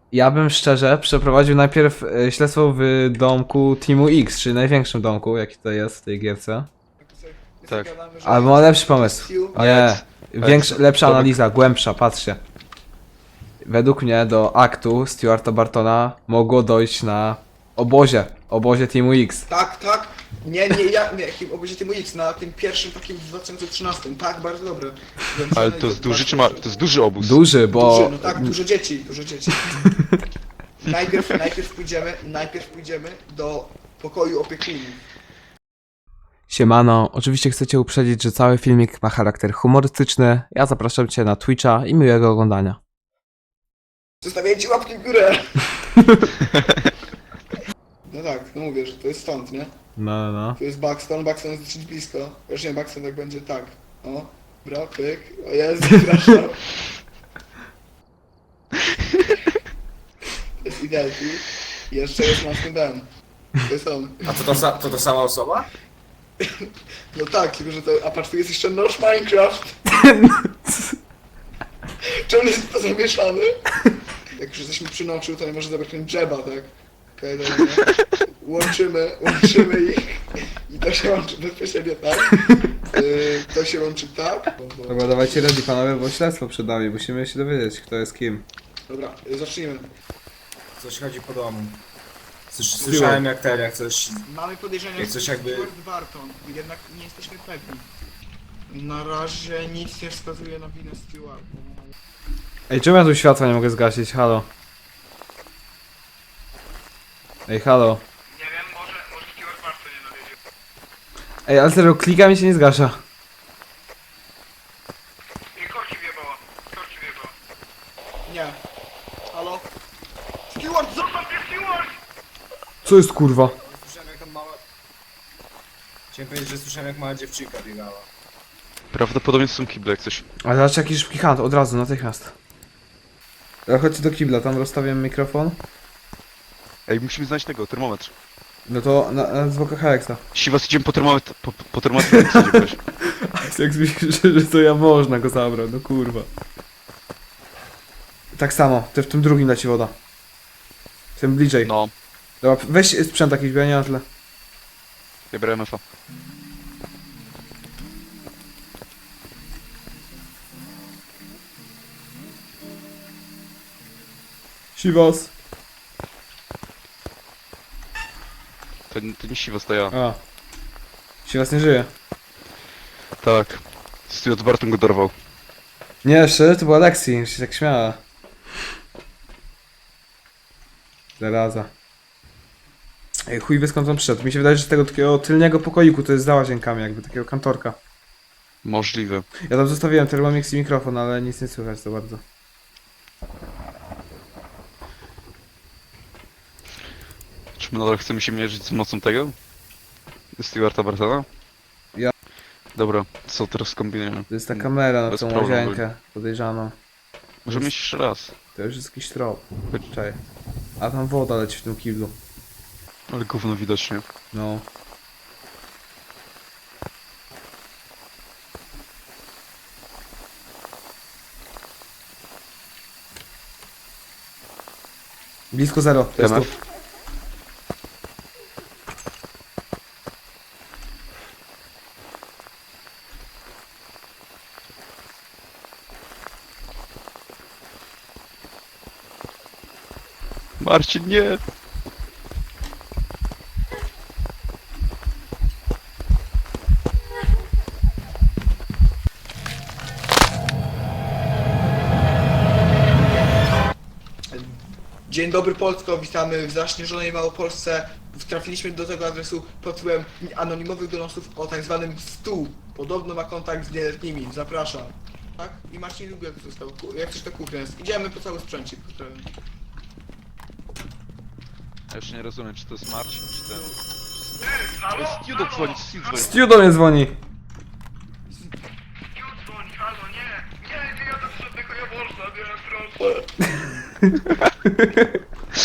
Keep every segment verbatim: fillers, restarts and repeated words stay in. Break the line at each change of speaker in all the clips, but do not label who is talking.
Ja bym szczerze przeprowadził najpierw e, śledztwo w domku Teamu X, czyli największym domku, jaki to jest w tej gierce.
Tak.
Ale mam lepszy pomysł. O nie, większa, lepsza
Domek.
analiza, głębsza, patrzcie. Według mnie do aktu Stuarta Bartona mogło dojść na obozie, obozie Teamu X.
Tak, tak. Nie, nie, ja, nie, jakim obozie Teamu X, na tym pierwszym takim w dwa tysiące trzynastym. Tak, bardzo dobre.
Ale to jest duży czy ma... To jest duży obóz.
Duży, bo...
Duży, no tak, dużo dzieci, dużo dzieci. Najpierw, najpierw pójdziemy, najpierw pójdziemy do pokoju opiekunów.
Siemano, oczywiście chcecie uprzedzić, że cały filmik ma charakter humorystyczny. Ja zapraszam cię na Twitcha i miłego oglądania.
Zostawiajcie łapki w górę! No tak, no mówię, że to jest stąd, nie?
No, no.
Tu jest Buxton, Buxton jest dosyć blisko. Już nie, Buxton tak będzie tak. O, bra, pyk. O Jezu, przepraszam. To jest Idelki. I jeszcze jest Masken Dan. To jest on.
A to to, sa- to to sama osoba?
No tak, tylko że to... A patrz, tu jest jeszcze Nosz Minecraft. Czemu jest to zamieszany? Jak już jesteśmy przy noczu, to nie może zabrać ten dżeba, tak? Okej, okay, dobra. Łączymy, łączymy ich. I to się łączy bezpośrednio tak. Yy, to się łączy tak. Bo, bo...
Dobra, dawajcie ready panowie, bo śledztwo przed nami. Musimy się dowiedzieć, kto jest kim.
Dobra, yy, zacznijmy.
Coś chodzi po domu. Słysz, słyszałem jak ten, jak coś...
Mamy podejrzenia,
Jak
że
coś
to jest
jakby-
Stuart Barton, jednak nie jesteśmy pewni. Na razie nic nie wskazuje na winę Stuarta.
Ej, czemu ja tu światła nie mogę zgasić? Halo. Ej, halo.
Nie wiem, może, może Stuart Barton nie dowiedział.
Ej, ale serio, klika mi się nie zgasza.
Nie, korki wjebała. Korki wjebała. Nie. Halo? Stuart, zostaw mnie, Stuart!
Co jest kurwa?
Słyszałem jak tam mała... Chciałem powiedzieć, że słyszałem jak mała dziewczynka biegała.
Prawdopodobnie są kible jak coś.
Ale zobacz jaki szybki hunt, od razu, natychmiast. Ja chodźcie do kibla, tam rozstawiam mikrofon.
Ej, musimy znaleźć tego, termometr.
No to na, na zwłokę Hexa.
Siwas, idziemy po termometr, po, po termometr jak idzie ktoś.
Jak myślisz, że to ja można go zabrać, no kurwa. Tak samo, ty w tym drugim leci woda. Tym bliżej.
No,
Dobra, weź sprzęt jakiś, bo ja nie mam tyle.
ja biorę M F A.
Siwas.
To, to nie Siwas, to ja.
A. Siwas nie żyje.
Tak. Stuart Barton go dorwał.
Nie, jeszcze to była Lexi, już się tak śmiała. Zaraza. Ej, chuj wie skąd on przyszedł. Mi się wydaje, że z tego takiego tylnego pokoiku to jest za łazienkami, jakby takiego kantorka.
Możliwe.
Ja tam zostawiłem Thermomix i mikrofon, ale nic nie słychać za bardzo.
Czy my nadal chcemy się mierzyć z mocą tego? Stuarta Bartona?
Ja.
Dobra, co teraz kombinujemy?
To jest ta kamera na
Bez
tą
problemu.
łazienkę podejrzaną.
Możemy iść jeszcze raz.
To już jest jakiś trop. Czekaj. A tam woda leci w tym kiblu.
Ale gówno widocznie.
No. Blisko zero. To jest
M
tu.
F. Marcin, nie!
Dzień dobry Polsko, witamy w zaśnieżonej Małopolsce. Trafiliśmy do tego adresu pod wpływem anonimowych donosów o tak zwanym stół. Podobno ma kontakt z nieletnimi, zapraszam. Tak? I Marcin Lubiak został, ku- jak coś to kuchnia jest. Idziemy po cały sprzęcik. pozdrawiam.
Ja jeszcze nie rozumiem, czy to jest Marcin, czy ten... Ale Stu dzwoni, Stu dzwoni.
Stu do mnie dzwoni.
dzwoni, halo, nie! Nie, nie jadę do żadnego jaworza, nie, proszę.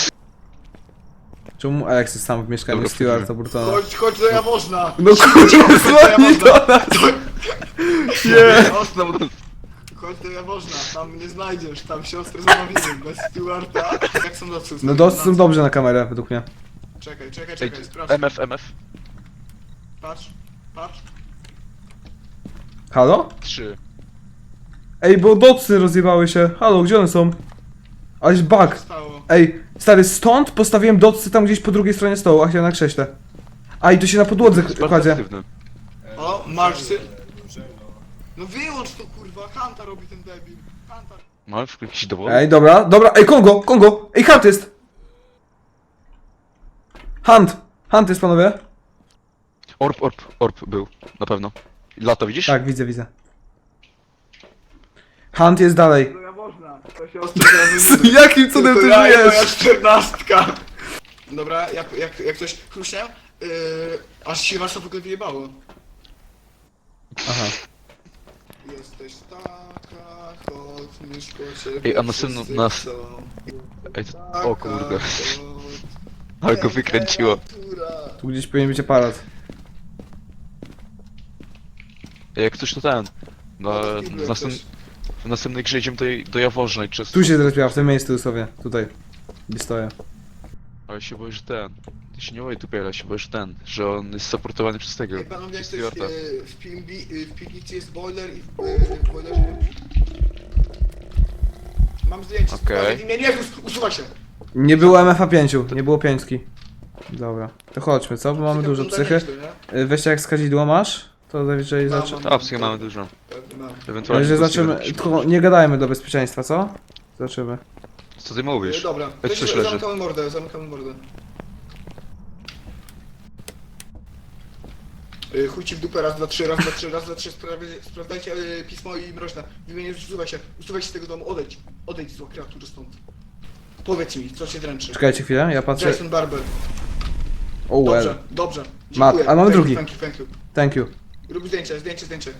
Czemu Alex jest sam w mieszkaniu
Dobra,
Stuarta Burtona?
Chodź, chodź do jaworzna!
No kurwa, dzwoni do nas!
Nie! Ostał do...
Chodź chodź do Jaworzna, tam nie znajdziesz, tam siostrę zamówimy, bez Stewarta. Jak są docy?
No docy są dobrze na kamerę, według mnie.
Czekaj, czekaj,
Ej,
czekaj, sprawdź.
M F, M F.
Patrz, patrz.
Halo?
trzy.
Ej, bo docy rozjebały się. Halo, gdzie one są? Aleś
Co
bug.
stało?
Ej, stary, stąd postawiłem docy tam gdzieś po drugiej stronie stołu, a chciałem na krześle. A i tu się na podłodze
Jest bardzo
kładzie.
aktywny.
O, Marsy.
Dobrze, no.
No wyłącz to kurwa, Hanta robi ten debil. Hanta.
Mamy w jakiś dowód?
Ej, dobra, dobra, ej, Kongo, Kongo! Ej, Hunt jest! Hunt! Hunt jest, panowie?
Orb, orb, orb był, na pewno. Lato, widzisz?
Tak, widzę, widzę. Hunt jest dalej.
Do Jaworzna, to siostra
Z jakim cudem ty
ja i moja
żyjesz?
czternastka. Dobra, jak, jak, jak coś chruśnie, yy, aż się was to w ogóle wyjebało.
Aha.
Jesteś taka, chodź, myszko ciebie
Ej, a następną-
wszyscy
nas-
chcą.
Ej, co-
Taka,
o kurde.
chodź,
Ale go wykręciło.
temperatura.
Tu gdzieś powinien być aparat.
Ej, jak coś to ten. Na,
No, to
w, następ,
coś.
w następnej grze idziemy do, do Jaworzna i przez...
Tu się zrespiła, w tym miejscu dosłownie. Tutaj. Gdzie stoję.
Ale się boję, że ten... Ty się nie boję tu ale się boję, że ten, że on jest supportowany przez tego,
Ej, panowie, jak
przez
coś
Stewarta.
yy, w, P M B, yy, w piwnicy jest boiler i w, yy, w boilerze... Mam zdjęcie,
Okej.
okay. Nie, nie, us- usuwaj się.
Nie było M F A pięć, nie było pięćki. Dobra, to chodźmy, co? Bo mamy dużo psychy. Y, Weźcie jak skazidło masz, to zazwyczaj
Mam,
zaczy...
mam.
A, w sumie mamy dużo.
Pewnie mam.
Ewentualnie...
Ale że
do
zaczniemy,
Stewarta
tylko
musimy-
nie gadajmy do bezpieczeństwa, co? Zobaczymy.
Co ty
Yy,
mówisz?
dobra,
Weź
to
coś
się
leży.
zamykamy mordę, zamykamy mordę. Yy, chuj ci w dupę, raz, dwa, trzy, raz, dwa, trzy, raz, dwa, trzy, sprawdź- sprawdzajcie yy, pismo i mroźne. W imieniu usuwaj się, usuwaj się z tego domu, odejdź, odejdź zła kreatury stąd. Powiedz mi, co się dręczy.
Czekajcie chwilę, ja patrzę...
Jason Barber.
Oh
Dobrze,
well.
dobrze.
Mat,
Dziękuję.
a mamy
Thank you,
drugi.
Thank you, thank you.
Thank you.
Rób zdjęcie, zdjęcie, zdjęcie.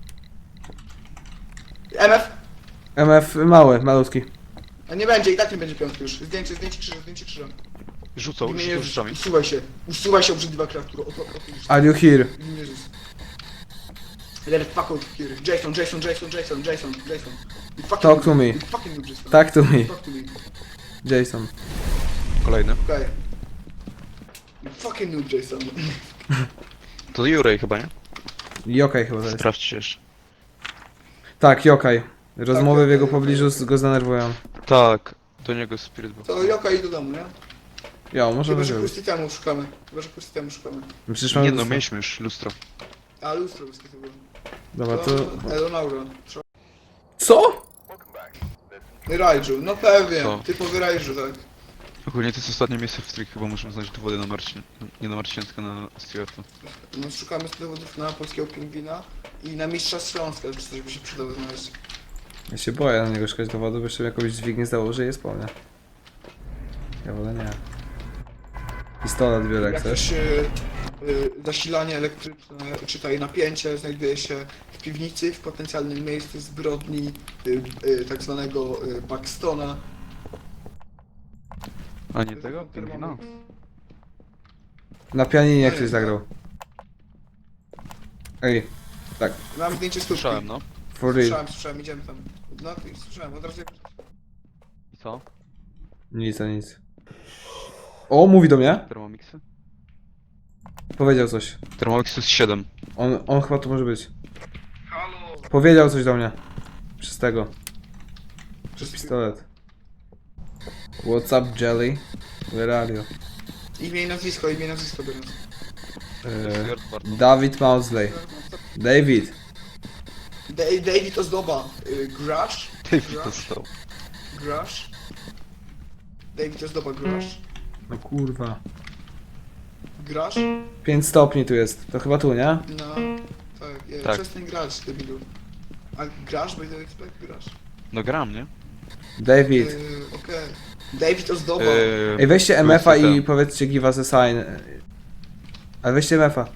M F?
M F mały, malutki.
A nie będzie, i tak nie będzie piątki już. Zdjęcie, zdjęcie krzyża, zdjęcie krzyża.
Rzucał,
W imieniu
rzucał
Jezus,
rzeczami.
usuwaj się, usuwaj się obrzydliwa kreatura. Oto, oto już.
Are you here?
W imieniu Jezus. Let it fuck out here. Jason, Jason, Jason, Jason, Jason, Jason. You fucking
Talk to
noob.
me.
You fucking noob, Jason.
Talk to me.
Talk to me.
Jason.
Kolejny.
Okej. You fucking noob, Jason.
To Jurej chyba, nie?
Jokaj chyba to jest.
Sprawdźcie jeszcze.
Tak, Jokaj. Rozmowy w jego
Jokaj,
pobliżu
Jokaj.
go zdenerwują.
Tak, do niego Spirit był.
To Joka i do domu, nie?
Jo, może
Chyba, że
być.
pusty temu szukamy. Chyba, że pusty temu szukamy.
Przecież mamy
Nie no,
lustro.
mieliśmy już lustro.
A, lustro pusty to było.
Dobra, to...
Elonauro.
Co?
Raiju, no pewnie.
Co?
Typowy Raiju, tak.
Ogólnie to jest ostatnie miejsce, w którym chyba możemy znaleźć dowody na Marcin. Nie na Marcin, tylko na Stewarta.
No, szukamy dowodów na polskiego pingwina i na mistrza Śląska, czy coś by się przydało znaleźć.
Ja się boję na niego szukać dowodu, bo jeszcze jakąś dźwignię założy i jest po mnie. Ja wolę nie. Pistolet biorę jak
Jak
chcesz.
też y, y, zasilanie elektryczne, czytaj napięcie, znajduje się w piwnicy, w potencjalnym miejscu zbrodni y, y, tak zwanego y, Paxtona.
A nie tego? Pingwina?
Na pianinie ktoś zagrał. Ej, tak,
Mam zdjęcie stópki.
Słyszałem, no.
for real.
Słyszałem, słyszałem, idziemy tam. No, słyszałem, od razu jak...
I co?
Nic, a nic. O, mówi do mnie.
Thermomixy?
Powiedział coś.
Thermomix to jest siedem.
On, on chyba tu może być.
Halo!
Powiedział coś do mnie. Przez tego. Przez
Przez
pistolet. What's up, Jelly? Where are you?
Imię i nazwisko, imię i nazwisko biorąc.
Eee,
Stewart Barton.
David Mausley. David.
Da David Ozdoba. Y, Grash?
David dostał.
Grash? David Ozdoba, Grash?
No kurwa.
Grasz?
pięć stopni tu jest. To chyba tu, nie?
No, tak, je,
Tak.
przestań grać, debilu. A grasz? By the expect grasz.
No gram, nie?
David.
Yy, Okej. David Ozdoba.
Eee,
Ej, weźcie M F a i
P C.
powiedzcie give us a sign. Ale weźcie M F a.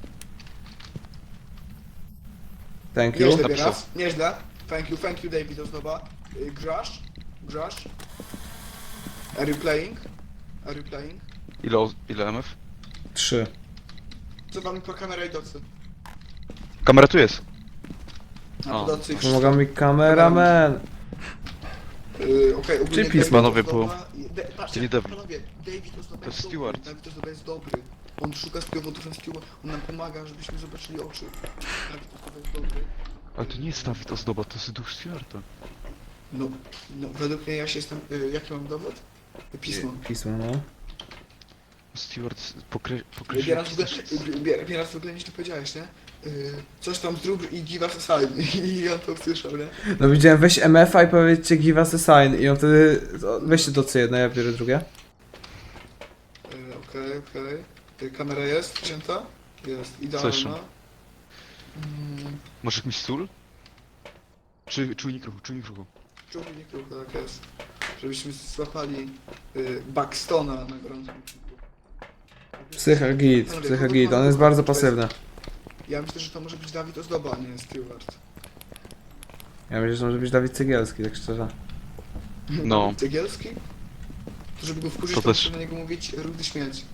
Thank you.
Nieźle
napisał.
teraz, nieźle. Thank you, thank you David Ozdoba. Yy, grasz? Grasz? Are you playing? Are you playing?
Ile, o- ile M F?
Trzy.
Co wam po kamera i docy?
Kamera tu jest.
A
O,
podacy
Pomaga mi kameraman.
Yy, okej, ogólnie
Czy pismo
David
nowe
Ozdoba-
było?
i- De, patrzcie,
To nie David.
panowie, David Ozdoba
To
jest dobry,
Stewart.
David Ozdoba jest dobry. On szuka spowodów na Stewart, on nam pomaga, żebyśmy zobaczyli oczy. David Ozdoba jest dobry.
Ale to nie jest Dawid Ozdoba, to jest duch Stewarta.
No, no według mnie ja się jestem... Yy, jaki mam dowód? Pismo.
Pismo, no.
Stewart pokre...
Bieras
pokreśla...
w ogóle, Bier- Bieras w ogóle nic nie powiedziałeś, nie? Yy, coś tam zrób i give us a sign. I on to usłyszał, nie?
No widziałem, weź M F a i powiedzcie give us a sign i on wtedy... o, Weźcie to co jedno, ja biorę drugie.
Yy, Okej, okej. Yy, Kamera jest wzięta? Jest, idealna.
Słyszę.
Mm,
Może jakiś sól? Czy czujnik ruchu, czujnik ruchu.
czujnik ruchu, tak jest. Żebyśmy złapali yy, Buxtona na gorącym uczynku.
Psycha git,
Panowie,
psycha
kogo
git,
mamy?
on jest bardzo
To jest-
pasywny.
Ja myślę, że to może być Dawid Ozdoba, a nie Stewart.
Ja myślę, że może być Dawid Cegielski, tak szczerze.
No.
Cegielski? To żeby go wkurzyć,
To
to,
też.
muszę na niego mówić rudy śmieć.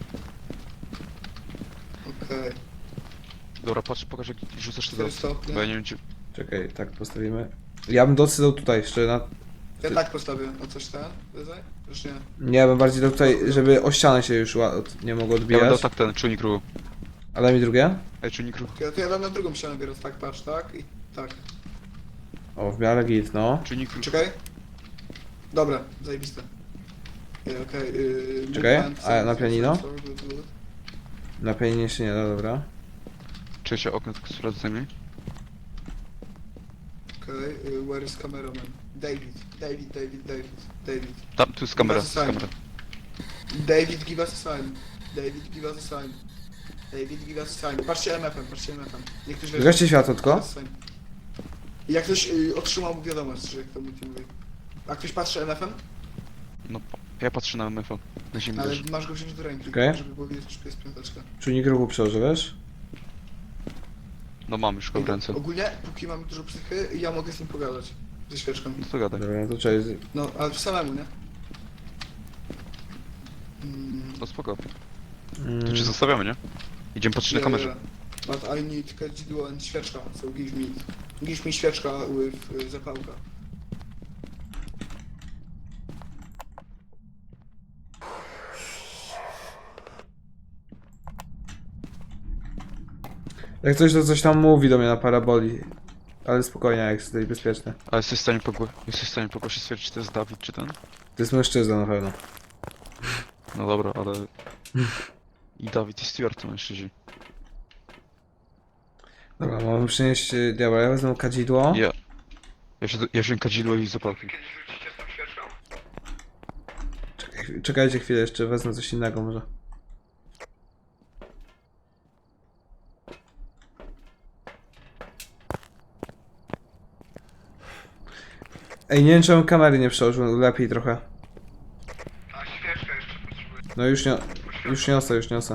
Okej.
Dobra, patrz, pokaż jak rzucasz te
Cztery
docy.
stopnie.
Bo ja nie wiem, czy...
Czekaj, tak postawimy. Ja bym docy dał tutaj, jeszcze na...
Ja tak postawię. A coś ten? Wyzaj? Już nie.
Nie, bym bardziej dał tutaj, żeby o ścianę się już ła- od- nie mogło
Ja bym dał
odbijać.
tak ten, czujnik ruchu.
A daj mi drugie?
Ej, czujnik ruchu.
Ja to ja dam na drugą ścianę biorąc, tak, patrz, tak i tak.
O, w miarę git, no.
Czujnik ruchu.
Czekaj. Dobra, zajebiste. Yy, Okej, yy,
Czekaj,
movement,
a na
sensor,
pianino?
sensor, good, good.
Na pianinie się nie da, dobra.
Czy się okno tylko sprawdzę mi?
Okej, yy, where is cameraman? David, David, David, David, David.
Tam, tu jest kamera,
Bez
tu jest kamera.
David, give us a sign. David, give us a sign. David, give us a sign. Patrzcie M F-em, patrzcie M F-em. Niech ktoś weźmie.
Zgaście światło
Give
tylko.
us a sign. I jak ktoś y, otrzymał mu wiadomość, że jak to multi mówi. A ktoś patrzy M F-em?
No, ja patrzę na M F a. Na ziemi
Ale
leży.
masz go wziąć do ręki,
Okej.
żeby było widać, czy to jest piąteczka.
Czujnik ruchu przełoży, wiesz?
No mam już go w ręce.
Ogólnie, póki mamy dużo psychy, ja mogę z nim pogadać. Ze świeczką.
No to gadaj.
Dobra, to cześć.
No, ale samemu, nie? Mm,
No spoko.
Mm,
To cię zostawiamy, nie? Idziemy patrzeć na
yeah,
kamerze.
yeah. But I need kadzidło and świeczka, so give me... Give me świeczka with y, zapałka.
Jak coś, to coś tam mówi do mnie na paraboli. Ale spokojnie, jak jesteś bezpieczny.
A jesteś w stanie pogło... jesteś w stanie pogłosić stwierdzić, czy to jest Dawid, czy ten?
To jest mężczyzna na pewno.
No dobra, ale... I Dawid i Stewart to mężczyźni.
Dobra, mamy przynieść... y, Dobra, ja wezmę kadzidło.
Ja... Ja, się, ja wziąłem kadzidło i zapałki.
Czekaj, czekajcie chwilę, jeszcze wezmę coś innego może. Ej, nie wiem czemu kamery nie przełożył, lepiej trochę.
A świeczka jeszcze potrzebuję.
No już nie... Już niosę, już niosę.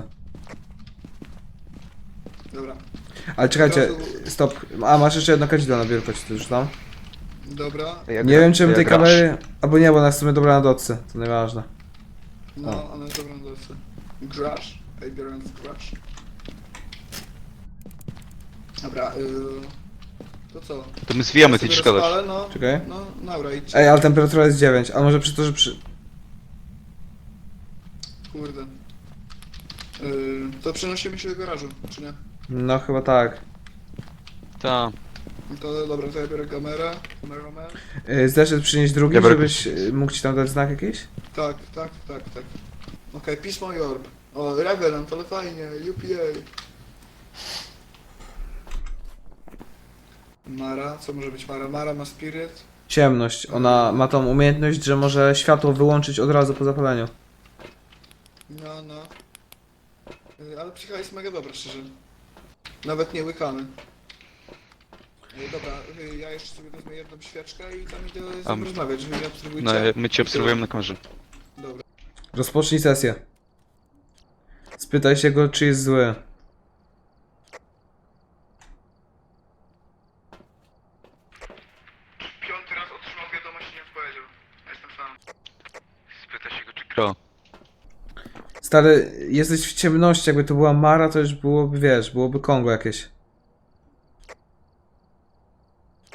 Dobra.
Ale czekajcie,
Od razu-
stop. A, masz jeszcze jedno kadzidło na biurko, czy to już tam?
Dobra.
Ja
Nie wiem czym
ja
tej
grasz.
kamery... Albo nie, bo ona jest w sumie dobra na dotce, to nieważne.
No, ona jest dobra na dole. Grash. Ej, biorąc grash. Dobra, yy... To co?
To my zwijamy,
Ja
ty
sobie
idziesz gadać.
rozpalę, no.
Czekaj.
No, dobra, idź.
Ej, ale temperatura jest dziewięć, a może przy to, że przy...
Kurde. Yy, to przenosimy się do garażu, czy nie?
No chyba tak.
Ta.
No to dobra, to ja biorę kamerę. Cameraman.
Yy, Zdeszę przynieść drugi,
Ja biorę
żebyś yy, mógł ci tam dać znak jakiś?
Tak, tak, tak, tak. Okej, pismo i orb. O, Revenant, ale fajnie, U P A. Mara, co może być Mara? Mara ma spirit.
Ciemność. Ona ma tą umiejętność, że może światło wyłączyć od razu po zapaleniu.
No, no. Y, Ale psycha jest mega dobra, szczerze. Nawet nie łykamy. Y, Dobra, y, ja jeszcze sobie wezmę jedną świeczkę i tam idę z
A,
nim rozmawiać, żeby mnie obserwujcie.
No, my cię obserwujemy na kamerze.
Dobra.
Rozpocznij sesję. Spytaj się go, czy jest zły.
Piąty raz otrzymał wiadomość i nie odpowiedział. Ja jestem sam.
Spytaj się go, czy gra.
Stary, jesteś w ciemności, jakby to była Mara, to już byłoby, wiesz, byłoby Kongo jakieś.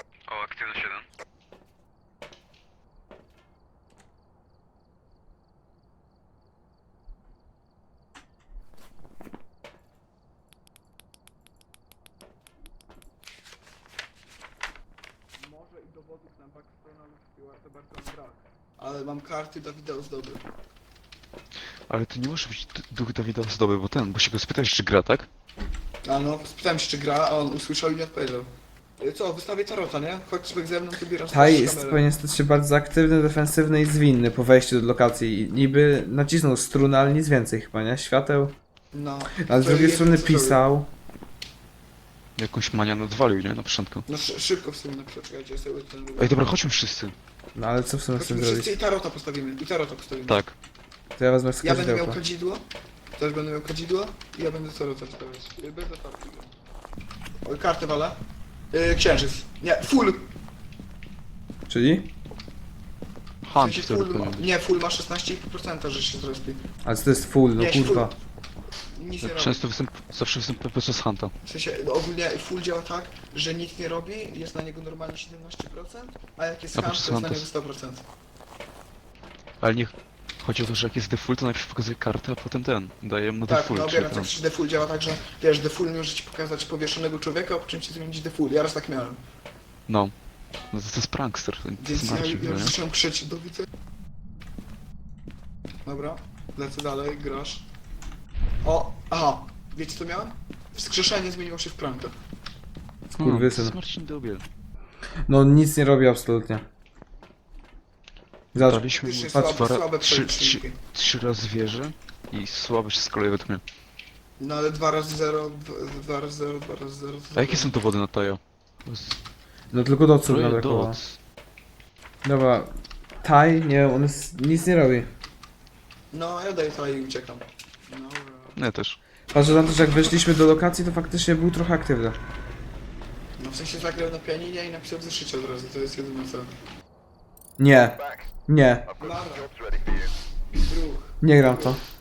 Stuarta Bartona brak. Ale mam karty Dawida Ozdoby.
Ale to nie może być d- duch Dawida Ozdoby, bo ten, bo się go spytałeś, czy gra, tak?
A no, spytałem się czy gra, a on usłyszał i nie odpowiedział. Y, Co, wystawię tarota, nie? Chodź sobie ze mną, wybieram
Taj
sobie
jest,
kamerę.
powinien stać się bardzo aktywny, defensywny i zwinny po wejściu do lokacji. I niby nacisnął strunę, ale nic więcej chyba, nie? Świateł.
No.
Ale z
To
drugiej
jest
strony
co zrobił.
pisał.
Jakąś manian odwalił, nie? Na początku.
No szy szybko w sumie napisał, czekajcie, ja sobie ten...
Ej, dobra, chodźmy wszyscy.
No ale co w sumie chcę
Chodźmy
zrobić?
wszyscy i tarota postawimy, i tarota postawimy.
Tak.
To ja wezmę
Ja będę miał
skadzidełko.
kadzidło, też będę miał kadzidło i ja będę tarota wstawiać. Y, Bez otwarki. Oj, kartę walę. Yy, księżyc. Nie, full!
Czyli?
W
Hunt
sensie
wtedy
full ma,
powinien.
nie, full ma szesnaście procent, że się zrespi.
Ale co to jest full, no
Nie,
kurwa.
Nic nie robi.
Często występ, zawsze występuje podczas Hunta.
W sensie, no ogólnie full działa tak, że nic nie robi, jest na niego normalnie siedemnaście procent, a jak jest
A
hunt,
podczas
to jest na
hunta
niego sto procent.
Ale niech... Chodzi o to, że jak jest default, to najpierw pokazuje kartę, a potem ten. Daje mu
Tak,
default.
no
czy
obieram,
tam.
tak, defull działa tak, że wiesz, defull może ci pokazać powieszonego człowieka, a po czym ci zmienić defull. Ja raz tak miałem.
No. No to, to jest prankster, to
Więc
jest
ja,
Marcin,
ja
no
już
nie?
zacząłem krzyczeć do widzenia. Dobra, lecę dalej, grasz. O, aha, wiecie co miałem? Wskrzeszenie zmieniło się w pranka.
No, to
Skurwysyn.
jest Marcin Dobiel.
No nic nie robi absolutnie. Zobacz,
Daliśmy mu
Faktycznie
dwa,
słabe,
ra-
słabe
trzy,
przeliczynniki.
trzy, trzy razy wieże i słabość z kolei według mnie.
No ale dwa razy zero, dwa razy zero, dwa razy zero.
A jakie są dowody na Tajo?
no tylko doców
Troje
nabrakowało.
doc.
Dobra. Taj, nie wiem, on jest, nic nie robi.
No, ja daję to i uciekam. No,
Nie, też.
Patrzę na to, że jak weszliśmy do lokacji, to faktycznie był trochę aktywny.
no w sensie zagrał na pianinie i napisał w zeszycie od razu, to jest jedyne co.
Nie. Nie.
Dobra. Druh.
Nie gram w to.